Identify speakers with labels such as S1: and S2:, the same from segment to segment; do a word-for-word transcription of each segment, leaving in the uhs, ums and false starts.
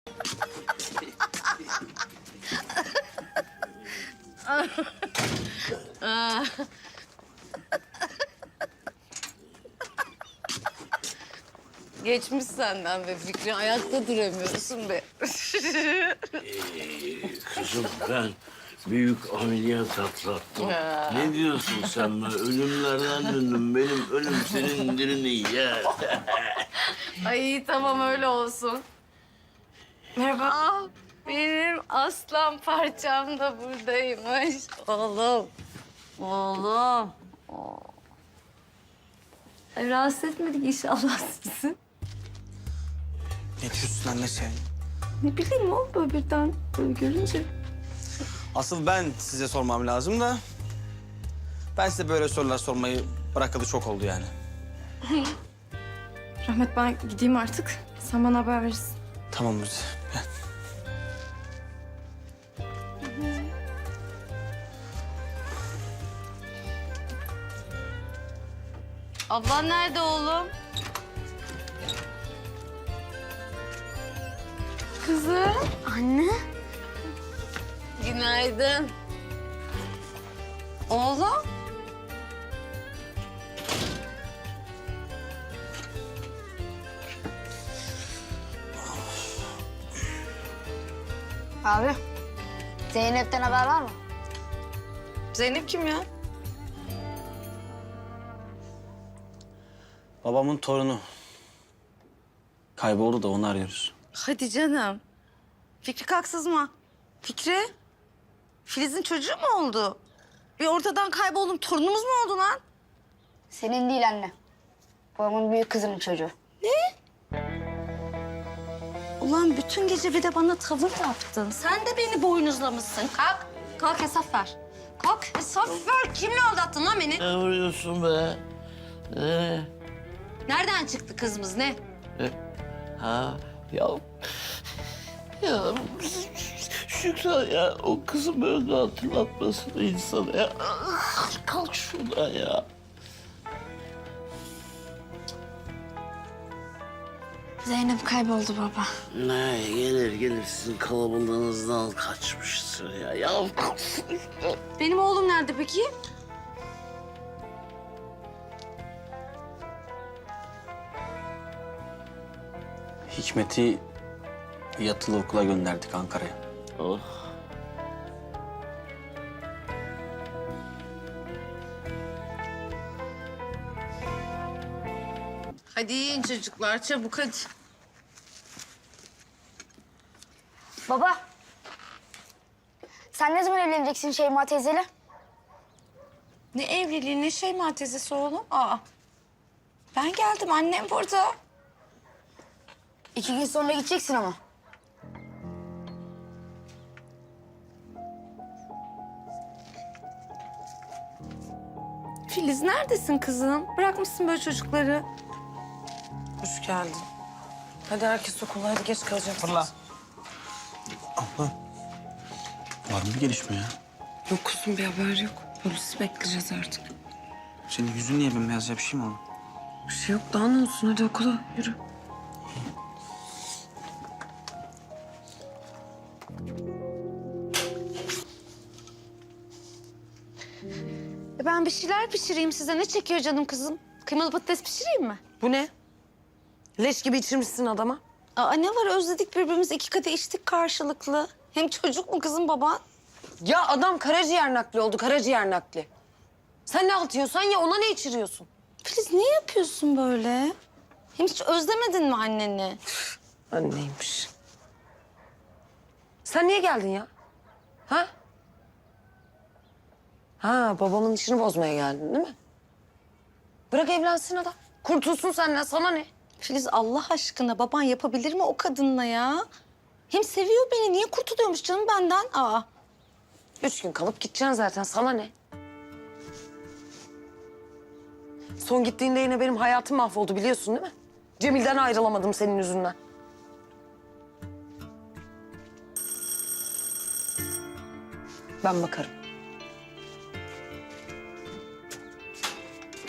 S1: Geçmiş senden be Fikri. Ayakta duramıyorsun be.
S2: Ee, kızım ben büyük ameliyat atlattım. Ne diyorsun sen be? Ölümlerden döndüm. Benim ölüm senin dirini yer.
S1: Ay tamam öyle olsun. Merhaba. Ah, benim aslan parçam da buradaymış. Oğlum. Oğlum. Oo. Ay, rahatsız etmedik inşallah sizi.
S3: Ne diyorsun anne sen?
S1: Ne bileyim o böyle birden böyle görünce.
S3: Asıl ben size sormam lazım da... ...ben size böyle sorular sormayı bırakalı çok oldu yani.
S4: Rahmet ben gideyim artık. Sen bana haber verirsin.
S3: Tamam Muzi, gel.
S1: Ablan nerede oğlum? Kızım.
S4: Anne.
S1: Günaydın. Oğlum.
S5: Abi, Zeynep'ten haber var mı?
S1: Zeynep kim ya?
S3: Babamın torunu. Kayboldu da onu arıyoruz.
S1: Hadi canım. Fikri kalk sızma. Fikri. Filiz'in çocuğu mu oldu? Bir ortadan kayboldum. Torunumuz mu oldu lan?
S5: Senin değil anne. Babamın büyük kızının çocuğu.
S1: Ulan bütün gece bir de bana tavır yaptın. Sen de beni boynuzlamışsın. Kalk. Kalk hesap ver. Kalk hesap ver. Kimle aldattın lan beni?
S2: Ne vuruyorsun be? Ne?
S1: Nereden çıktı kızımız ne?
S2: Ha ya... Ya Şükran ya o kızım öldü hatırlatmasın insana ya. Kalk şuradan ya.
S4: Zeynep kayboldu baba.
S2: Ne gelir gelir sizin kalabalığınızdan kaçmıştır ya. Ya
S1: Benim oğlum nerede peki?
S3: Hikmet'i yatılı okula gönderdik Ankara'ya.
S2: oh.
S1: Hadi yiyin çocuklar çabuk hadi.
S5: Baba, sen ne zaman evleneceksin Şeyma teyzeyle?
S1: Ne evliliği ne Şeyma teyzesi oğlum? Aa. Ben geldim annem burada.
S5: İki gün sonra gideceksin ama.
S1: Filiz neredesin kızım? Bırakmışsın böyle çocukları.
S6: Hoş geldin. Hadi herkes okula, hadi geç kalacağım.
S3: Fırla. Abla. Var mı bir gelişme ya?
S6: Yok kuzum, bir haber yok. Polisi bekleyeceğiz artık.
S3: Senin yüzün niye bembeyaz ya? Bir şey mi oldu?
S6: Bir şey yok, daha ne olsun? Hadi okula, yürü.
S1: E ben bir şeyler pişireyim size. Ne çekiyor canım kızım? Kıymalı patates pişireyim mi?
S6: Bu ne? Leş gibi içirmişsin adama.
S1: Aa ne var özledik birbirimizi. İki kadeh içtik karşılıklı. Hem çocuk mu kızım baban?
S6: Ya adam karaciğer nakli oldu, karaciğer nakli. Sen ne atıyorsan ya, ona ne içiriyorsun?
S1: Filiz niye yapıyorsun böyle? Hem hiç özlemedin mi anneni?
S6: Anneymiş. Sen niye geldin ya? Ha? Ha, babamın işini bozmaya geldin değil mi? Bırak evlensin adam. Kurtulsun senden, sana ne?
S1: Filiz Allah aşkına baban yapabilir mi o kadınla ya? Hem seviyor beni. Niye kurtuluyormuş canım benden? Aa.
S6: Üç gün kalıp gideceksin zaten, sana ne? Son gittiğinde yine benim hayatım mahvoldu biliyorsun değil mi? Cemil'den ayrılamadım senin yüzünden. Ben bakarım.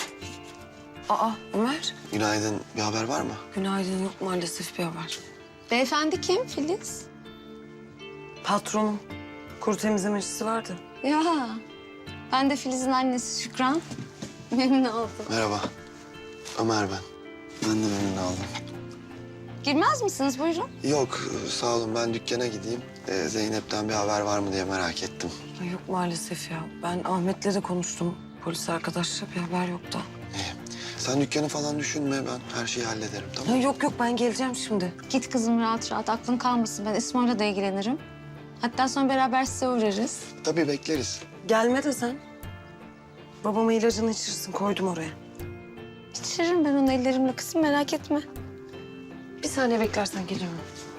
S6: Aa Ömer,
S7: Günaydın. Bir haber var mı?
S6: günaydın. Yok maalesef bir haber.
S1: Beyefendi kim Filiz?
S6: Patronum. Kuru temizlemecisi vardı.
S1: Ya ben de Filiz'in annesi Şükran. Memnun oldum.
S7: Merhaba. Ömer ben. Ben de memnun oldum.
S1: Girmez misiniz? Buyurun.
S7: Yok sağ olun ben dükkana gideyim. Ee, Zeynep'ten bir haber var mı diye merak ettim.
S6: Ay yok maalesef ya. Ben Ahmet'le de konuştum. Polis arkadaşla bir haber yok da.
S7: İyi. Sen dükkanı falan düşünme ben her şeyi hallederim tamam
S6: Ya
S7: mı?
S6: yok yok ben geleceğim şimdi.
S1: Git kızım rahat rahat. Aklın kalmasın. Ben İsmail'le de ilgilenirim. Hatta sonra beraber size uğrarız.
S7: Tabii bekleriz.
S6: Gelme de sen. Babama ilacını içirsin koydum oraya.
S1: İçiririm ben onu ellerimle kızım merak etme.
S6: Bir saniye beklersen geliyorum.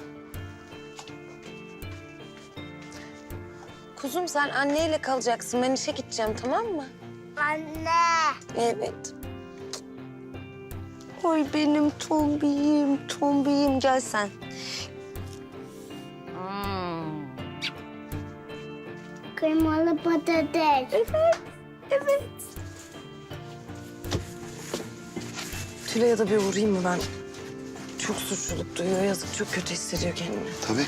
S6: Kuzum sen anneyle kalacaksın. Ben işe gideceğim tamam mı?
S5: Anne.
S6: Evet.
S1: Oy benim tombiyim, tombiyim. Gel sen.
S5: Kıymalı patates. Evet.
S6: Tülay'a da bir uğrayayım mı ben? Çok suçluluk duyuyor. Yazık çok kötü hissediyor kendini.
S7: Tabii.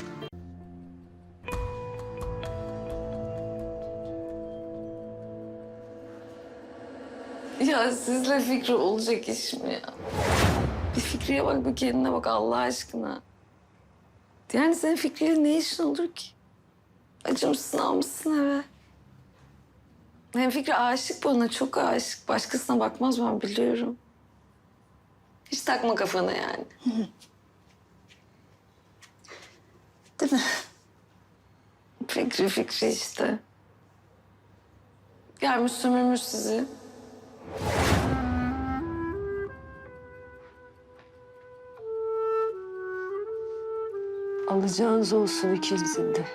S4: Ya sizle Fikri olacak iş mi ya? Bir Fikri'ye bak, bir kendine bak Allah aşkına. Yani senin Fikri'yle ne işin olur ki? Acımışsın, almışsın eve. Hem Fikri aşık bana, çok aşık. Başkasına bakmaz ben biliyorum. Hiç takma kafana yani.
S1: Değil mi?
S4: Fikri Fikri işte. Gelmiş sömürmüş sizi.
S8: Alacağınız olsun ikinizin de.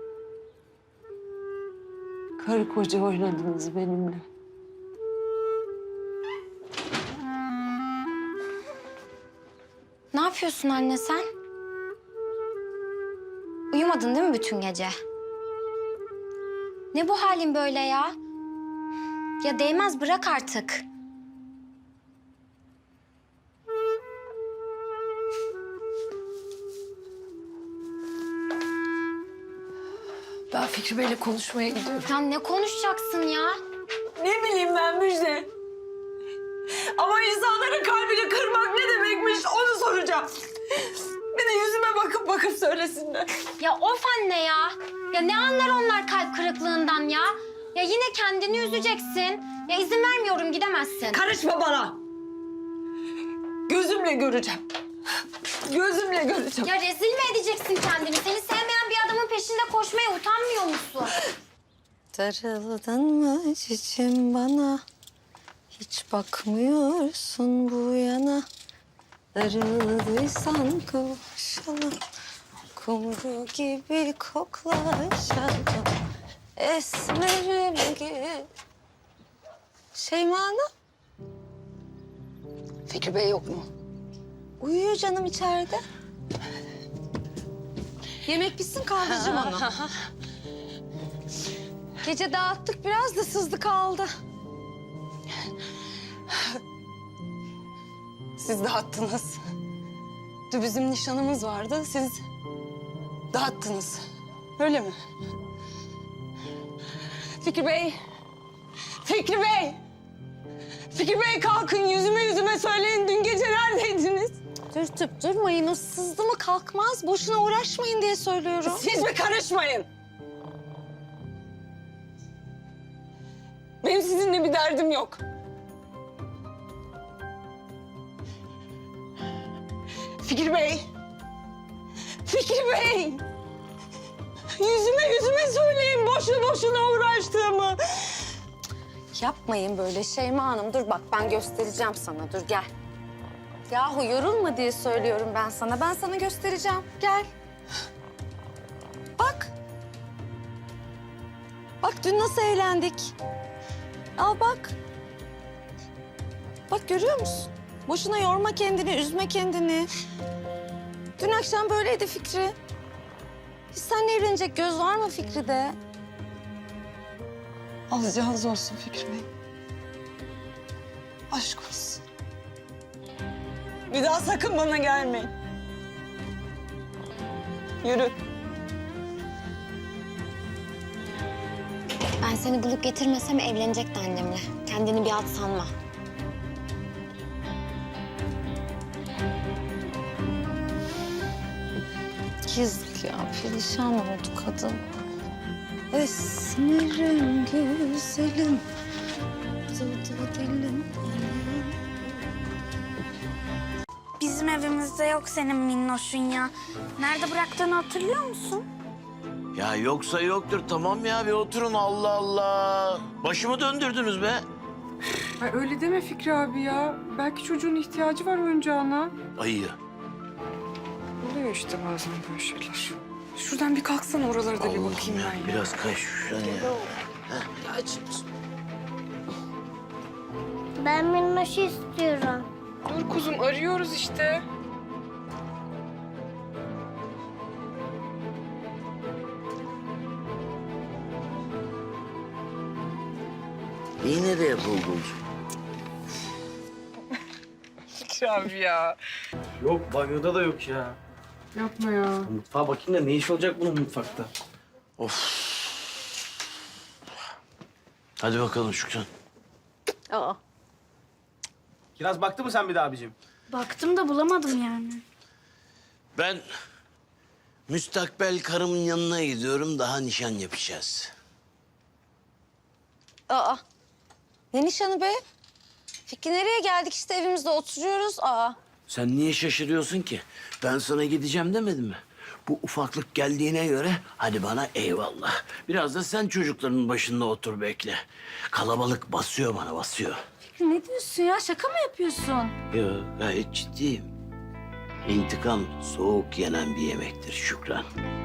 S8: Karı koca oynadınız benimle.
S1: Ne yapıyorsun anne sen? Uyumadın değil mi bütün gece? Ne bu halin böyle ya? Ya değmez bırak artık.
S8: Ben Fikri Bey'le konuşmaya gidiyorum.
S1: Ya ne konuşacaksın ya?
S8: Ne bileyim ben Müjde. Ama insanların kalbini kırmak ne demekmiş onu soracağım. Bir de yüzüme bakıp bakıp söylesinler.
S1: Ya of anne ya. Ya ne anlar onlar kalp kırıklığından ya? Ya yine kendini üzeceksin. Ya izin vermiyorum gidemezsin.
S8: Karışma bana. Gözümle göreceğim. Gözümle göreceğim.
S1: Ya rezil mi edeceksin kendini? Seni sevmeyen bir adamın peşinde koşmaya utanmıyor musun? Darıldın mı cicim bana? Hiç bakmıyorsun bu yana. Darıldıysan kavuşalım. Kumru gibi koklaşalım. Esmerim gibi. Şeyma Hanım.
S6: Fikri Bey yok mu?
S1: Uyuyor canım içeride. Yemek bitsin kaldıracağım onu. Gece dağıttık biraz da sızdı kaldı.
S6: Siz dağıttınız. Dün bizim nişanımız vardı. Siz dağıttınız. Öyle mi? Fikri Bey. Fikri Bey. Fikri Bey kalkın yüzüme yüzüme söyleyin. Dün gece neredeydiniz?
S1: Dürtüp durmayın. O sızdı mı kalkmaz. Boşuna uğraşmayın diye söylüyorum.
S8: Siz mi karışmayın? Benim sizinle bir derdim yok. Fikri Bey. Fikri Bey. Yüzüme yüzüme söyleyin boşu boşuna uğraştığımı.
S1: Yapmayın böyle Şeyma Hanım. Dur bak ben göstereceğim sana. Dur gel. Yahu yorulma diye söylüyorum ben sana. Ben sana göstereceğim. Gel. Bak. Bak dün nasıl eğlendik. Al bak. Bak görüyor musun? Boşuna yorma kendini, üzme kendini. Dün akşam böyleydi Fikri. Biz seninle evlenecek göz var mı Fikri'de?
S8: Alacağınız olsun Fikri Bey. Aşk olsun. Bir daha sakın bana gelmeyin.
S6: Yürü.
S1: Ben seni bulup getirmesem evlenecekti annemle. Kendini bir at sanma.
S4: Yazık ya, perişan oldu kadın. Esmerim güzelim, tutu dilim.
S5: Bizim evimizde yok senin minnoşun ya. Nerede bıraktığını hatırlıyor musun?
S2: Ya yoksa yoktur tamam ya bir oturun Allah Allah. Başımı döndürdünüz be.
S9: Ay öyle deme Fikri abi ya. Belki çocuğun ihtiyacı var oyuncağına.
S2: Ayı.
S9: Oluyor işte bazen böyle şeyler. Şuradan bir kalksana oralara da bir
S2: Allah'ım
S9: bakayım
S2: ya,
S9: ben ya.
S2: biraz kay şuraya ya.
S5: Ben minnoşu istiyorum.
S9: Dur kuzum arıyoruz işte.
S2: İyi nereye buldun?
S9: Fikri abi ya.
S3: Yok banyoda da yok ya.
S9: Yapma ya.
S3: Mutfağa bakayım da ne iş olacak bunun mutfakta?
S2: Hadi bakalım Şükran.
S4: Aa.
S3: Kiraz baktı mı sen bir daha abicim?
S5: Baktım da bulamadım yani.
S2: Ben müstakbel karımın yanına gidiyorum. Daha nişan yapacağız.
S4: Aa. Ne nişanı be? Fikri nereye geldik işte evimizde oturuyoruz. Aa.
S2: Sen niye şaşırıyorsun ki? Ben sana gideceğim demedim mi? Bu ufaklık geldiğine göre hadi bana eyvallah. Biraz da sen çocukların başında otur bekle. Kalabalık basıyor bana basıyor.
S4: Fikri ne diyorsun ya? Şaka mı yapıyorsun?
S2: Yok gayet ciddiyim. İntikam soğuk yenen bir yemektir Şükran.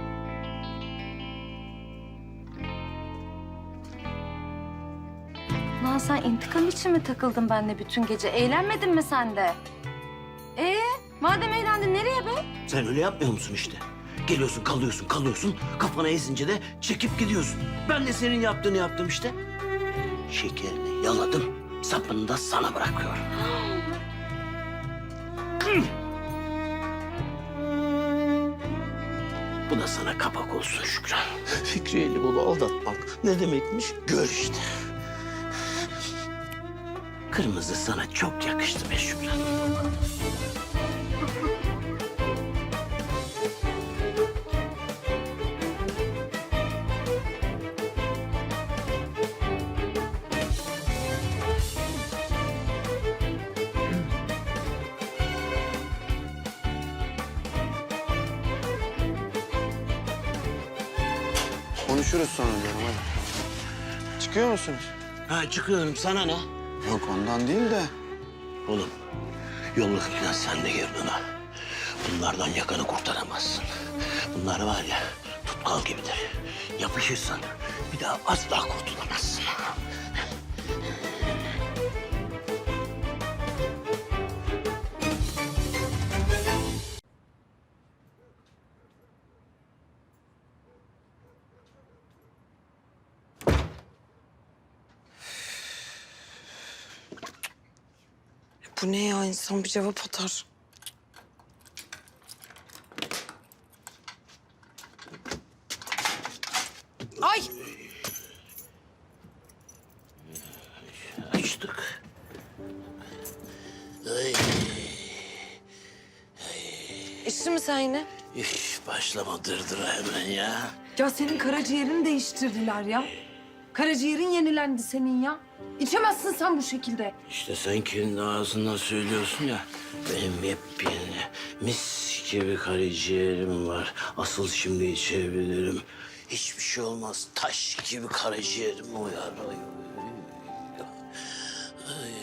S4: Lan sen intikam için mi takıldın benimle bütün gece? Eğlenmedin mi sen de? Ee, madem eğlendin nereye be?
S2: Sen öyle yapmıyor musun işte? Geliyorsun, kalıyorsun, kalıyorsun. Kafana esince de çekip gidiyorsun. Ben de senin yaptığını yaptım işte. Şekerini yaladım, sapını da sana bırakıyorum. Bu da sana kapak olsun Şükran. Fikri Elibolu aldatmak ne demekmiş? Gör işte. Kırmızı sana çok yakıştı be Şükran.
S7: Konuşuruz sonra diyorum hadi. Çıkıyor musunuz?
S2: Ha çıkıyorum, sana ne?
S7: Yok ondan değil de.
S2: Oğlum, yollukla sen de girdin ha. Bunlardan yakanı kurtaramazsın. Bunlar var ya, tutkal gibidir. Yapışırsan bir daha asla kurtulamazsın.
S6: Bu ne ya? İnsan bir cevap atar. Ay!
S2: Açtık. Ay,
S6: İçtin mi sen yine?
S2: üf, başlama dırdıra hemen ya.
S6: Ya senin karaciğerini değiştirdiler ya. Karaciğerin yenilendi senin ya. İçemezsin sen bu şekilde.
S2: İşte sen kendi ağzından söylüyorsun ya. Benim yepyeni mis gibi karaciğerim var. Asıl şimdi içebilirim. Hiçbir şey olmaz. Taş gibi karaciğerim uyar. Ay, ay.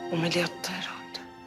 S9: Ameliyatta herhalde.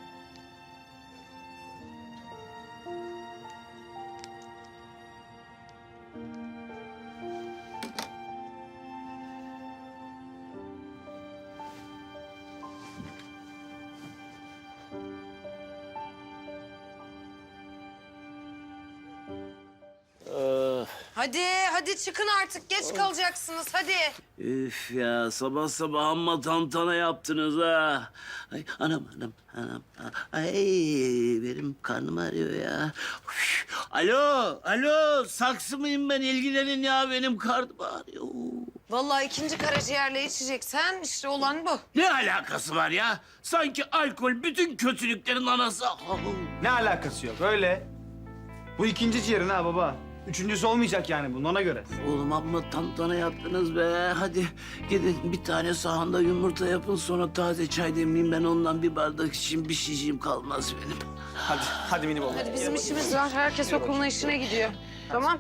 S6: Hadi, hadi çıkın artık. Geç kalacaksınız. Hadi.
S2: Üf ya sabah sabah amma tantana yaptınız ha. Ay anam anam anam. Ay benim karnım ağrıyor ya. Üf. Alo alo saksı mıyım ben ilgilenin ya benim karnım ağrıyor.
S6: Vallahi ikinci karaciğerle içeceksen işte olan bu.
S2: Ne alakası var ya? Sanki alkol bütün kötülüklerin anası.
S3: Ne alakası yok öyle. Bu ikinci ciğerin ha baba. Üçüncüsü olmayacak yani bunun ona göre.
S2: Oğlum amma tantana yaptınız be. Hadi gidin bir tane sahanda yumurta yapın sonra taze çay demleyin. Ben ondan bir bardak için bir şişim kalmaz benim.
S3: Hadi, hadi mini baba.
S6: Hadi bizim işimiz var. Herkes okuluna işine gidiyor. Tamam.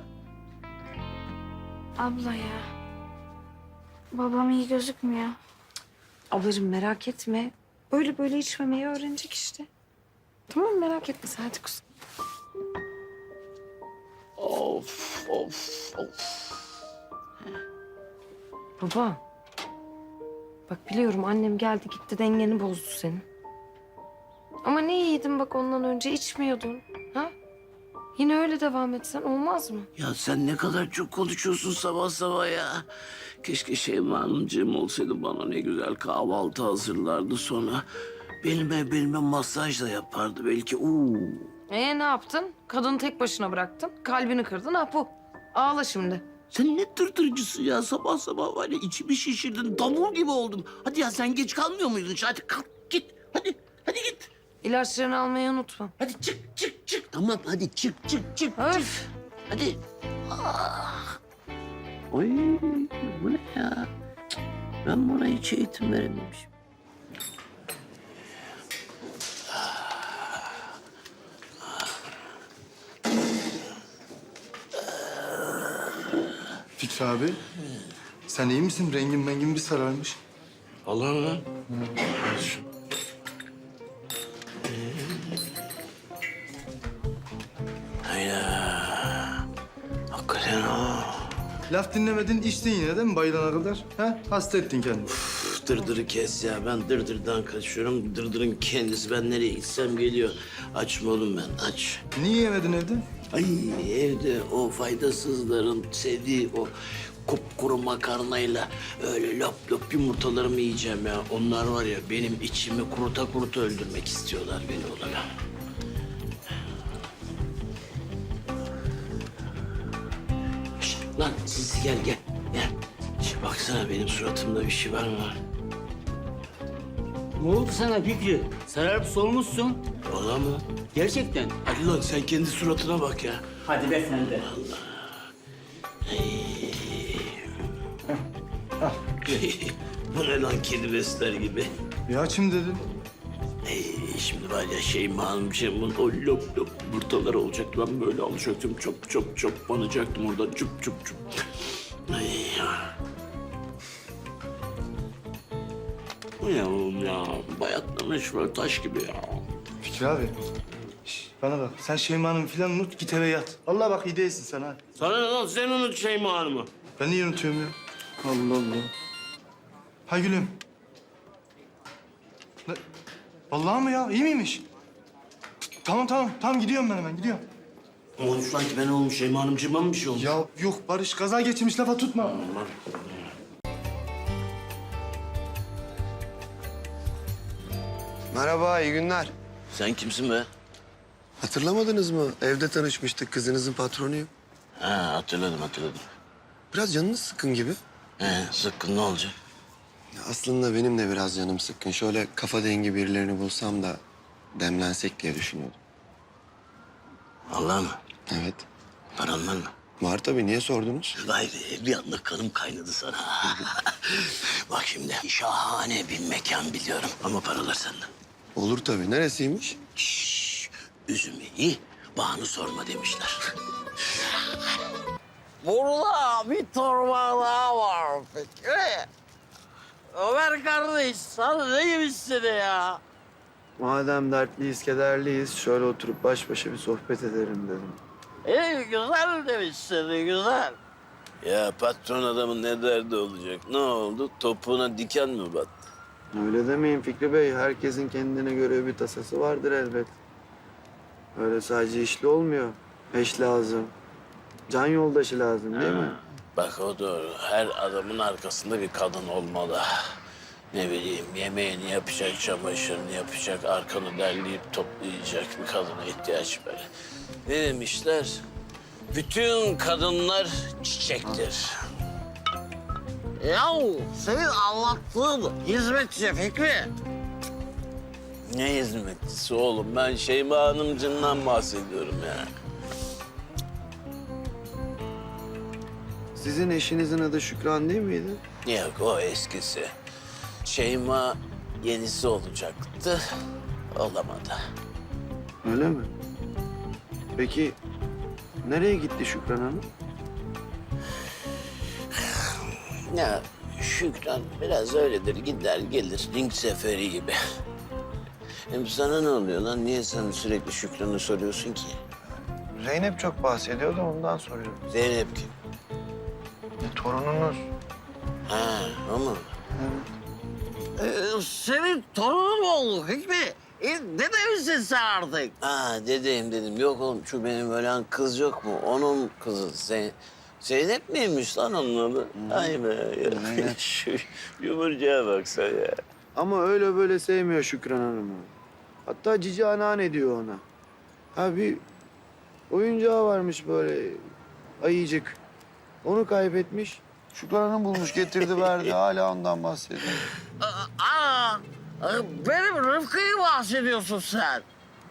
S5: Abla ya. Babam iyi gözükmüyor.
S4: Ablacığım merak etme. Böyle böyle içmemeyi öğrenecek işte. Tamam merak etme sen hadi kuzum.
S2: Of of of.
S4: Baba. Bak biliyorum annem geldi gitti dengeni bozdu senin. Ama ne iyiydin bak ondan önce içmiyordun. Ha? Yine öyle devam etsen olmaz mı?
S2: Ya sen ne kadar çok konuşuyorsun sabah sabah ya. Keşke Şeyma Hanımcığım olsaydı bana ne güzel kahvaltı hazırlardı sonra. Belime belime masaj da yapardı belki. Uuu.
S4: Ee ne yaptın? Kadını tek başına bıraktın. Kalbini kırdın ha bu. Ağla şimdi.
S2: Sen ne tırtırcısın ya sabah sabah var ya içimi şişirdin davul gibi oldum. Hadi ya sen geç kalmıyor muydun? Hadi kalk git hadi hadi git.
S4: İlaçlarını almayı unutma.
S2: Hadi çık çık çık. Tamam hadi çık çık çık.
S4: Öf.
S2: Hadi. Ah. Oy bu ne ya? Cık, ben buna hiç eğitim verememişim.
S7: Fikri abi, sen iyi misin? Rengin mengin bir sararmış.
S2: Allah'ım lan. Hayda. Hakikaten ha.
S7: Laf dinlemedin, içtin yine değil mi bayılana kadar? Ha? Hasta ettin kendini.
S2: Üf, Dırdırı kes ya. Ben dırdırdan kaçıyorum. Dırdırın kendisi. Ben nereye gitsem geliyor. Açma oğlum ben. Aç.
S7: Niye yemedin evde?
S2: Ay evde o faydasızların sevdiği o kupkuru makarnayla öyle lop lop yumurtalarımı yiyeceğim ya. Onlar var ya benim içimi kuruta kuruta öldürmek istiyorlar beni oğlum. Şişt, lan siz gel gel gel. Şişt, baksana benim suratımda bir şey var mı?
S10: Ne oldu sana Fikri? Sararıp solmuşsun.
S2: Valla mı?
S10: Gerçekten.
S2: Hadi lan sen kendi suratına bak ya.
S10: Hadi be sen de.
S2: Bu ne lan kedi besler gibi.
S7: Bir açım dedin.
S2: Ey, şimdi var ya Şeyma Hanımcığımın o lop lop yumurtaları olacaktı. Ben böyle alacaktım. Çok çok çok banacaktım oradan. Çup çup çup. Ay ya. Bu ne oğlum ya? Bayatlamış böyle taş gibi ya.
S7: Fikri abi, şş, bana bak. Sen Şeyma'nın falan unut, git eve yat. Allah bak iyi değilsin sen ha.
S2: Sana ne lan? Sen unut Şeyma Hanım'ı.
S7: Ben niye unutuyorum ya? Allah Allah. Ha gülüm. Ne? Vallahi mı ya? İyi miymiş? Tamam tamam. Tamam gidiyorum ben hemen gidiyorum.
S2: Olmuş lan ki ben olmuş Şeyma Hanımcığıma mı bir şey olmuş?
S7: Ya yok Barış kaza geçirmiş lafa tutma.
S2: Aman.
S7: Merhaba, iyi günler.
S2: Sen kimsin be?
S7: Hatırlamadınız mı? Evde tanışmıştık, kızınızın patronuyum.
S2: Ha hatırladım hatırladım.
S7: Biraz canınız sıkkın gibi.
S2: He sıkkın ne olacak?
S7: Ya aslında benim de biraz canım sıkkın. Şöyle kafa dengi birilerini bulsam da demlensek diye düşünüyordum.
S2: Allah mı?
S7: Evet.
S2: Paran var mı?
S7: Var tabii, niye sordunuz?
S2: Vay be bir anda kanım kaynadı sana. Bak şimdi şahane bir mekan biliyorum ama paralar senden.
S7: Olur tabii. Neresiymiş?
S2: Şşş, üzümü iyi, bağını sorma demişler.
S11: Burada bir torba daha var Fikri. Ömer kardeş sana ne gibi istedi ya?
S7: Madem dertliyiz, kederliyiz, şöyle oturup baş başa bir sohbet edelim dedim.
S11: İyi güzel demişsin güzel.
S2: Ya patron adamın ne derdi olacak? Ne oldu? Topuğuna diken mi battı?
S7: Öyle demeyin Fikri Bey. Herkesin kendine göre bir tasası vardır elbet. Öyle sadece işli olmuyor. Eş lazım. Can yoldaşı lazım değil mi?
S2: Bak o doğru. Her adamın arkasında bir kadın olmalı. Ne bileyim yemeğini yapacak, çamaşırını yapacak, arkanı derleyip toplayacak bir kadına ihtiyaç var. Ne demişler? Bütün kadınlar çiçektir.
S11: Yahu senin anlattığın hizmetçi Fikri.
S2: Ne hizmetçisi oğlum? Ben Şeyma Hanımcığımdan bahsediyorum ya.
S7: Sizin eşinizin adı Şükran değil miydi?
S2: Yok o eskisi. Şeyma yenisi olacaktı. Olamadı.
S7: Öyle mi? Peki nereye gitti Şükran Hanım?
S2: Ya Şükran biraz öyledir. Gider gelir. Ring seferi gibi. Hem sana ne oluyor lan? Niye sen sürekli Şükran'ı soruyorsun ki?
S7: Zeynep çok bahsediyordu ondan soruyorum.
S2: Zeynep kim?
S7: E, torununuz.
S2: Ha o mu?
S11: Ee, senin torunun mu oldu Fikri? E, dede misin sen artık?
S2: Ha dedeyim dedim. Yok oğlum şu benim ölen kız yok mu? Onun kızı Zeyn Zeynep miymiş lan onun adı? Ay be.
S7: Zeynep.
S2: Şu yumurcaya bak sen ya.
S7: Ama öyle böyle sevmiyor Şükran Hanım'ı. Hatta cici anneanne diyor ona. Ha bir oyuncağı varmış böyle ayıcık. Onu kaybetmiş. Şükran Hanım bulmuş getirdi verdi. Hala ondan bahsediyor.
S11: Aa, benim Rıfkı'yı bahsediyorsun sen.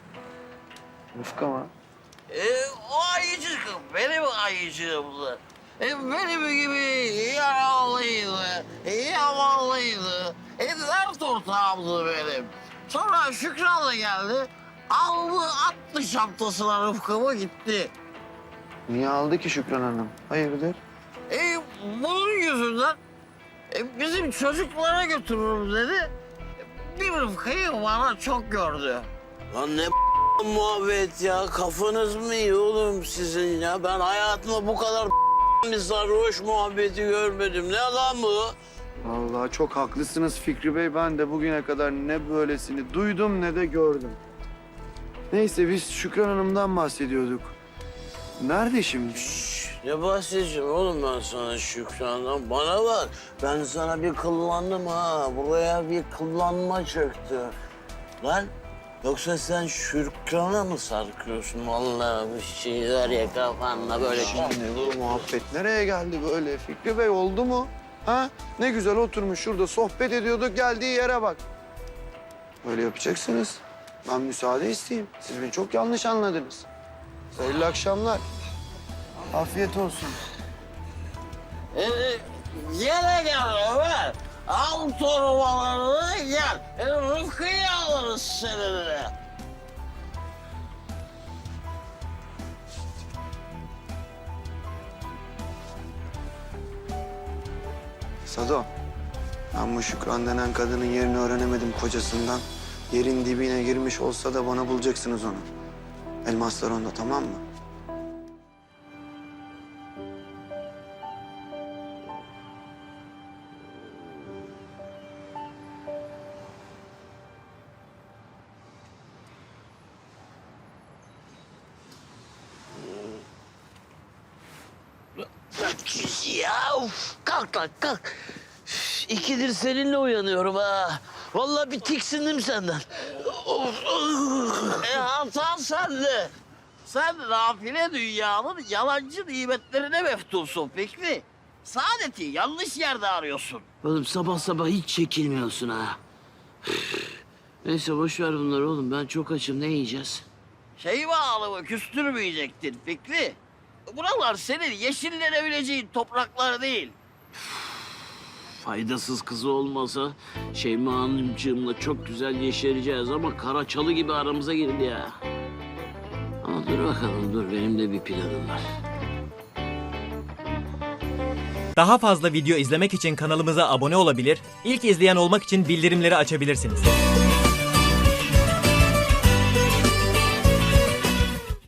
S7: Rıfkı mı?
S11: E, o ayıcık benim ayıcığımdı. E, benim gibi yaralıydı, yamanlıydı. E, dert ortağımdı benim. Sonra Şükran'la geldi. Aldı attı şaptasına Rıfkı'mı gitti.
S7: Niye aldı ki Şükran Hanım? Hayırdır?
S11: E, bunun yüzünden e, bizim çocuklara götürürüm dedi. Bir Rıfkı'yı bana çok gördü.
S2: Lan ne muhabbet ya. Kafanız mı iyi oğlum sizin ya? Ben hayatımda bu kadar bir sarhoş muhabbeti görmedim. Ne lan bu?
S7: Vallahi çok haklısınız Fikri Bey. Ben de bugüne kadar ne böylesini duydum ne de gördüm. Neyse biz Şükran Hanım'dan bahsediyorduk. Nerede şimdi?
S2: Ne bahsedeceğim oğlum ben sana Şükran'dan? Bana bak, ben sana bir kıllandım ha. Buraya bir kıllanma çöktü. Lan, yoksa sen Şükran'a mı sarkıyorsun? Vallahi bu şeyler ya kafanda böyle...
S7: Şimdi bu muhabbet nereye geldi böyle? Fikri Bey oldu mu? Ha? Ne güzel oturmuş şurada sohbet ediyorduk geldiği yere bak. Öyle yapacaksınız. Ben müsaade isteyeyim. Siz beni çok yanlış anladınız. Hayırlı akşamlar. Afiyet olsun.
S11: E, gel gel Ömer. Al torbalarını gel. E, Rıfkı'yı alırız seninle.
S7: Sado, ben bu Şükran denen kadının yerini öğrenemedim kocasından. Yerin dibine girmiş olsa da bana bulacaksınız onu. Elmaslar onda, tamam mı?
S2: Ya uf, kalk kalk kalk. Üf, İkidir seninle uyanıyorum ha. Vallahi bir tiksindim senden. Of, of.
S11: E, hata sende. Sen nafile dünyanın yalancı nimetlerine meftunsun Fikri. Saadeti yanlış yerde arıyorsun.
S2: Oğlum sabah sabah hiç çekilmiyorsun ha. Üf. Neyse boş ver bunları oğlum. Ben çok açım. Ne yiyeceğiz?
S11: Şeyma Hanım'ı küstürmeyecektin Fikri. Buralar senin yeşillenebileceğin topraklar değil.
S2: Faydasız kızı olmasa Şeyma Hanımcığımla çok güzel yeşereceğiz ama kara çalı gibi aramıza girdi ya. Ama dur bakalım dur benim de bir planım var.
S12: Daha fazla video izlemek için kanalımıza abone olabilir, ilk izleyen olmak için bildirimleri açabilirsiniz.